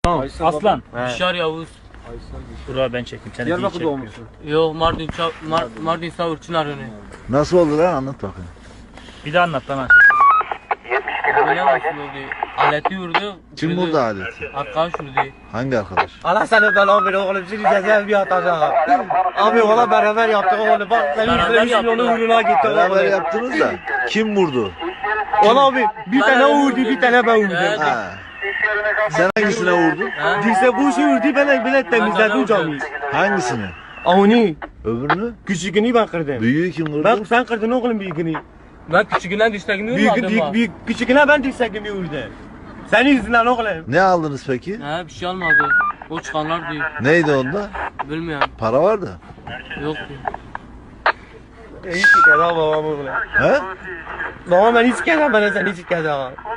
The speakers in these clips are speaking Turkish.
Tamam. Aslan. Bişar Yavuz. Dur abi ben çekeyim. Seni değil Diyarbakır çekmiyor. doğmuşsun. Yok Mardin Savur Çınar önü. Nasıl oldu lan, anlat bakayım. Bir daha anlat lan. Böyle nasıl oldu? Aleti vurdu. Kim vurdu aleti? Arkadaş vurdu. Hangi arkadaş? Allah seni belanı verir oğlum. Şimdi cezaevi bir atacak. Abi valla beraber yaptık oğlum. Bak senin Beraber yüzüne bir yaptık. milyonu uğruna gitti Beraber oğlum. yaptınız da kim vurdu? Valla abi bir tane o vurdu, bir tane ben vurdum. Evet. Ha. Sen hangisine vurdun? Dirse bu işi vurdu, ben bile temizledim camiyi. Hangisini? Avni, Öbürünü? küçüğünü ben kırdım. Büyüğü kim vurdu? Ben sen kırdın oğlum büyüğünü. Ben küçüğünden düştüğümü vurmadım. Küçüğüne ben dirsekimi vurdu. Senin yüzünden oğlum. Ne aldınız peki? He bir şey almadı. O çıkanlar diyor. Neydi onda? Bilmiyorum. Para vardı. Yok. Hiç kere babam oğlum. He? Babam ben hiç kere ben sen hiç kere.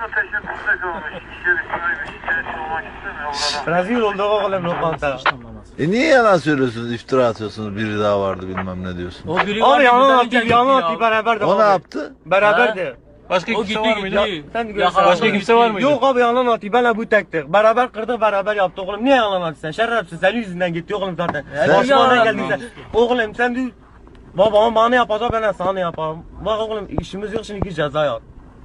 Rezil oldu oğlum lokanta. Niye yalan söylüyorsunuz, iftira atıyorsunuz, biri daha vardı bilmem ne diyorsun? O biri Abi var. yalan bizden attı, önce gitti yalan ya. attı beraber de. O ne abi. yaptı? Beraberdi. Başka O kimse gitti var mıydı? gitti. Sen de Yakaladı, başka gitti. kimse var mıydı? Yok abi yalan attı, benle bu tektik. Beraber kırdık, beraber yaptık oğlum. Niye yalan attı sen? Şerefsiz, senin yüzünden gitti oğlum zaten. Sen- Başıma ne Yalan geldiyse. attı. Oğlum sen de babam bana yapacak, ben de sana yaparım. Bak oğlum işimiz yok şimdi, ceza yat.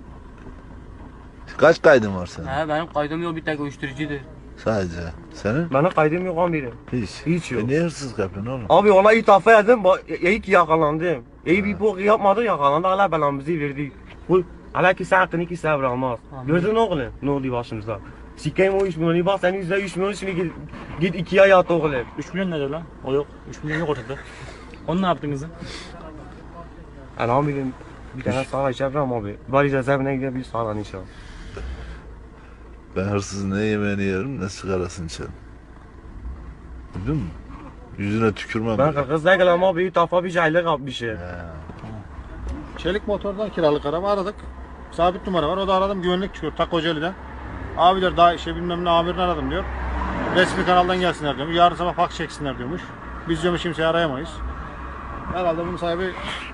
Kaç kaydın var senin? He benim kaydım yok, bir tek uyuşturucuydu. Sadece. Senin? Benim kaydım yok amirim. Hiç. Hiç yok. Niye hırsızlık yapıyorsun oğlum? Abi ona itafa edin, iyi ki yakalandım. İyi bir bok yapmadı, yakalandı, Allah belamızı verdi. Bu hala ki hakkını ki sevramaz. Gördün oğlum ne oldu başımıza? Sikeyim o 3 milyonu, bak senin yüzüne 3 milyon, şimdi git 2 ay yat oğlum. 3 milyon nedir lan? O yok. 3 milyon yok ortada. Onu ne yaptın kızım? Elhamdülillah bir tane sağla içerim abi. Bari cezaevine gidelim bir sağla inşallah. Ben hırsızın ne yemeğini yerim ne sigarasını içerim. Duydun mu? Yüzüne tükürmem. Ben kırkızda gelem abi, itafa bir şeyler yapmışım. Çelik motordan kiralık araba aradık. Sabit numara var. O da aradım, güvenlik çıkıyor Ta Kocaeli'den. Abiler daha bilmem ne amirini aradım diyor. Resmi kanaldan gelsinler diyormuş. Yarın sabah fax çeksinler diyormuş. Biz diyormuş kimseyi arayamayız. Herhalde bunun sahibi